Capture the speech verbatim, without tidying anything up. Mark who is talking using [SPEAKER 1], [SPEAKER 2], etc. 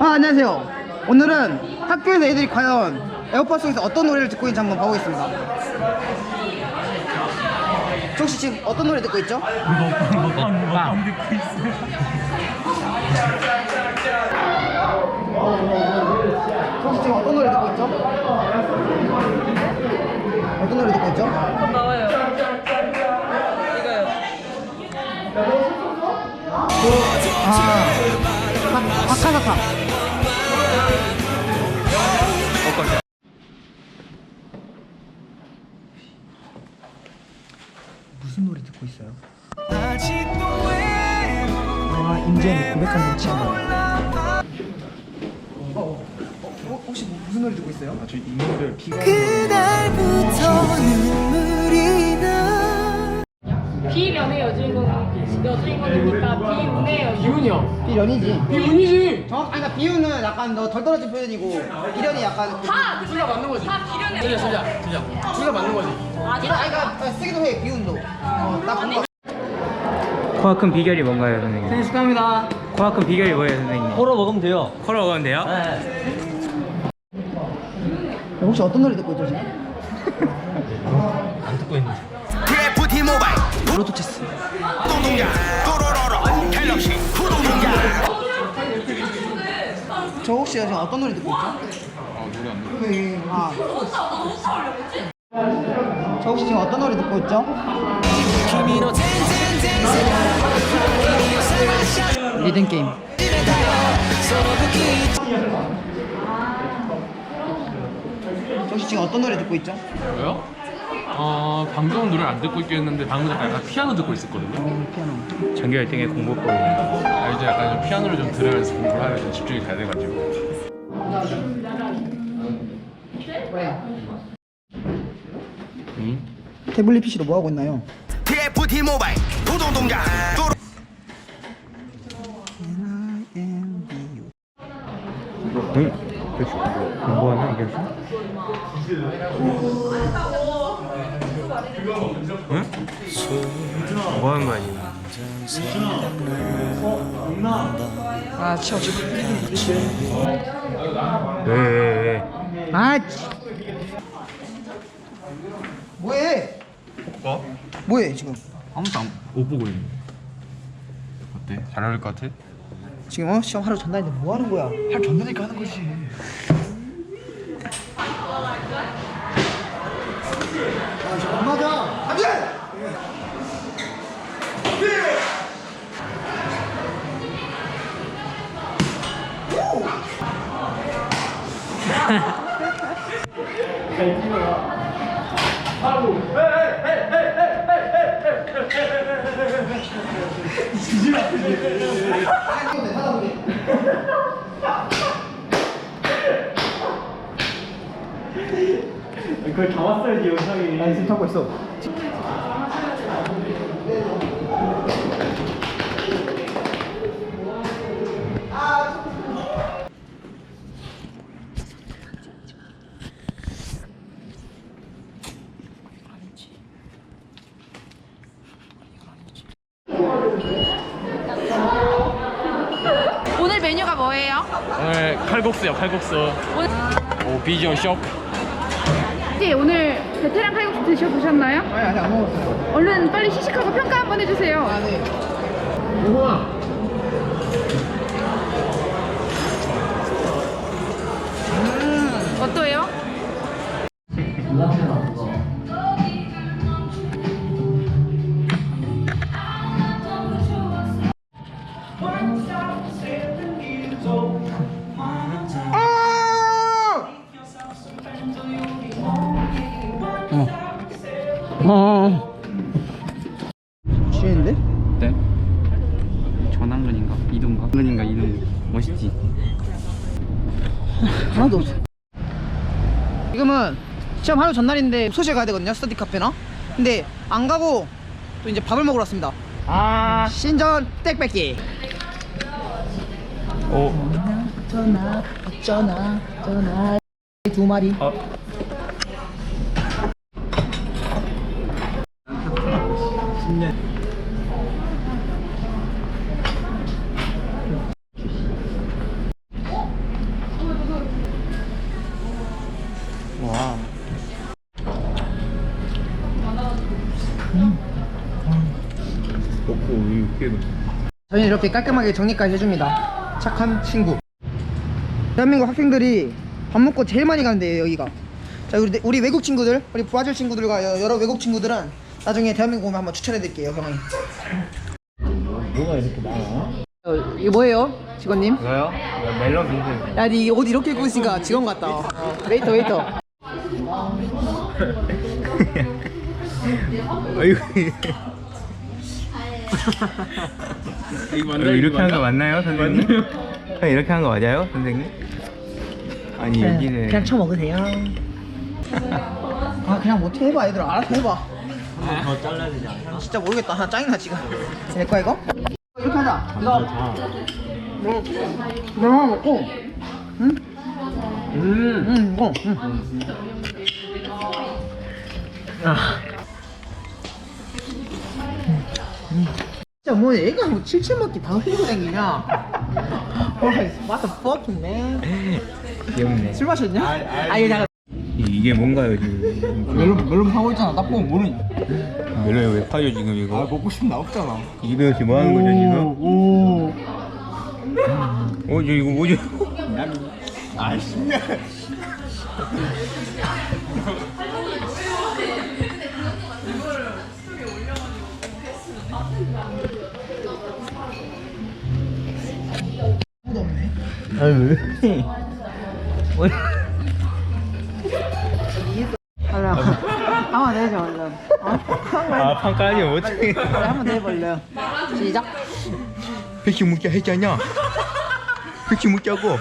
[SPEAKER 1] 아, 안녕하세요. 오늘은 학교에서 애들이 과연 에어팟 속에서 어떤 노래를 듣고 있는지 한번 봐보겠습니다. 혹시 지금 어떤 노래 듣고 있죠?
[SPEAKER 2] 먹방 먹방 먹방 듣고 있어요.
[SPEAKER 1] 혹시 지금 어떤 노래 듣고 있죠? 어떤 노래 듣고 있죠?
[SPEAKER 3] 나와요. 이거요.
[SPEAKER 1] 아, 아카사카. 무슨 노래 듣고 있어요? 아, 임재현이 고백한 노래 친구. 어, 어, 혹시 뭐, 무슨 노래 듣고 있어요?
[SPEAKER 2] 아, 저 이놈들 피가
[SPEAKER 4] 그날부터 눈물이 나.
[SPEAKER 3] 비련의 여주인공 여주인공이니까 비운의 여주인공.
[SPEAKER 1] 비운이요. 비련이지.
[SPEAKER 2] 비운이지.
[SPEAKER 1] 정확, 아니, 그러니까 비운은 약간 너 덜 떨어진 표현이고 비련이 약간 그,
[SPEAKER 3] 다
[SPEAKER 2] 둘다 맞는 거지.
[SPEAKER 3] 다 비련의.
[SPEAKER 2] 진짜 진짜 진짜 둘다 맞는 거지.
[SPEAKER 1] 아니, 그러니까 쓰기도 해 비운도. 어, 나 본 거.
[SPEAKER 5] 코가 큰 비결이 뭔가요, 선생님?
[SPEAKER 1] 생일 축하합니다.
[SPEAKER 5] 코가 큰 비결이 뭐예요, 선생님?
[SPEAKER 6] 코로 먹으면 돼요.
[SPEAKER 5] 코로 먹으면 돼요?
[SPEAKER 1] 혹시 어떤 노래 듣고 있죠 지금?
[SPEAKER 6] 안 듣고 있는데.
[SPEAKER 7] 티에프티 모바일
[SPEAKER 1] 브루투체스.
[SPEAKER 7] 동동야 또로로로 갤럭시 구동동야.
[SPEAKER 1] 저 혹시 지금 어떤 노래 듣고 있죠?
[SPEAKER 2] 아 노래 안 들어.
[SPEAKER 1] 네, 아. 저 혹시 지금 어떤 노래 듣고 있죠? 리듬 게임. 저 혹시 지금 어떤 노래 듣고 있죠?
[SPEAKER 2] 뭐요? 어 방금은 노래 안 듣고 있겠는데 방금 약간, 약간 피아노 듣고 있었거든요.
[SPEAKER 1] 어, 피아노.
[SPEAKER 5] 전교 일 등의 공부법이.
[SPEAKER 2] 아 이제 약간 좀 피아노를 좀 들으면서 공부를 하면 좀 집중이 잘 돼가지고.
[SPEAKER 1] 왜?
[SPEAKER 5] 응?
[SPEAKER 1] 태블릿 피시로 뭐 하고 있나요?
[SPEAKER 7] 티에프티 모바일 구동동야 또로.
[SPEAKER 5] 응? 공부하나, 이겼어? 응? 뭐 하는 거 아니야?
[SPEAKER 1] 아, 치워, 치워.
[SPEAKER 5] 왜, 왜, 왜?
[SPEAKER 1] 아, 치. 뭐해?
[SPEAKER 2] 뭐?
[SPEAKER 1] 뭐해 지금?
[SPEAKER 2] 아무도 안, 못 보고 있는데. 어때? 잘 어울릴 것 같아?
[SPEAKER 1] 지금 어? 시험 하루 전날인데 뭐 하는 거야?
[SPEAKER 2] 할 전다니까 하는 거지.
[SPEAKER 1] 아, 지금 안 맞아. 안 돼!
[SPEAKER 6] 그걸 담았어야지 영상에.
[SPEAKER 1] 나 지금 타고 있어.
[SPEAKER 3] 오늘 메뉴가 뭐예요?
[SPEAKER 2] 오늘 칼국수요 칼국수.
[SPEAKER 3] 오늘
[SPEAKER 2] 오 비주얼 쇼.
[SPEAKER 3] 혹시 오늘 베테랑 칼국수 드셔보셨나요?
[SPEAKER 1] 아니, 아직 안 먹었어요.
[SPEAKER 3] 얼른 빨리 시식하고 평가 한번 해주세요.
[SPEAKER 1] 아, 네.
[SPEAKER 2] 우와.
[SPEAKER 3] 어떠해요?
[SPEAKER 1] 어. 취했는데?
[SPEAKER 5] 네? 전환근인가? 이동가? 근인가 이동. 멋있지?
[SPEAKER 1] 하나도 없어. 지금은 시험 하루 전날인데 소실 가야 되거든요. 스터디 카페나. 근데 안 가고 또 이제 밥을 먹으러 왔습니다.
[SPEAKER 5] 아.
[SPEAKER 1] 신전 땡뺏기.
[SPEAKER 5] 오.
[SPEAKER 1] 전화 전화 전화 두 마리.
[SPEAKER 5] 어. 깨고.
[SPEAKER 1] 저희는 이렇게 깔끔하게 정리까지 해줍니다. 착한 친구. 대한민국 학생들이 밥 먹고 제일 많이 가는 데예요, 여기가. 자, 우리, 우리 외국 친구들, 우리 브라질 친구들과 여- 여러 외국 친구들은 나중에 대한민국 오면 한번 추천해드릴게요, 형이. 뭐가 이렇게 많아? 어, 이거 뭐예요, 직원님?
[SPEAKER 5] 이거요? 이거 멜론 빙수.
[SPEAKER 1] 야, 니 옷 이렇게 입고 있으니까 직원 같다. 어, 웨이터, 웨이터.
[SPEAKER 5] 아이고. 어, 이렇게 하는 거 맞나요, 선생님? 형 이렇게 하는 거 맞아요, 선생님? 아니 여기는
[SPEAKER 1] 그냥 쳐먹으세요. 아, 그냥 뭐 어떻게 해봐, 얘들아. 알아서 해봐.
[SPEAKER 6] 더 잘라야 되지 않나?
[SPEAKER 1] 진짜 모르겠다. 나 짜증나 지금. 내 거야 이거? 이렇게 하자. 너, 너, 너 하나 먹고, 응?
[SPEAKER 6] 음.
[SPEAKER 1] 응, 이거. 응.
[SPEAKER 6] 아.
[SPEAKER 1] 진짜 뭐 얘가 뭐 칠칠 먹기 다 흘리고 다니냐? What the fuck, man?
[SPEAKER 5] 귀엽네.
[SPEAKER 1] 술 마셨냐? 아, 이거 잠깐.
[SPEAKER 5] 이- 이게 뭔가요 지금?
[SPEAKER 1] 멜론 멜론 파고 있잖아. 나 보면 모르니?
[SPEAKER 5] 멜론이 왜 파죠 지금 이거?
[SPEAKER 1] 먹고 싶으면 나 없잖아.
[SPEAKER 5] 이거 지금 뭐 하는 거죠 지금?
[SPEAKER 1] 오.
[SPEAKER 5] 어, 저 이거 뭐죠?
[SPEAKER 6] 아 신나.
[SPEAKER 1] 아무도 없네.
[SPEAKER 5] 아유 왜?
[SPEAKER 1] 얼른 한번 내줘 얼른. 어?
[SPEAKER 5] 아 판까지 어떻게?
[SPEAKER 1] 한번 내볼래요. 시작.
[SPEAKER 5] 백시 묻자 했잖아. 백시 묻자고.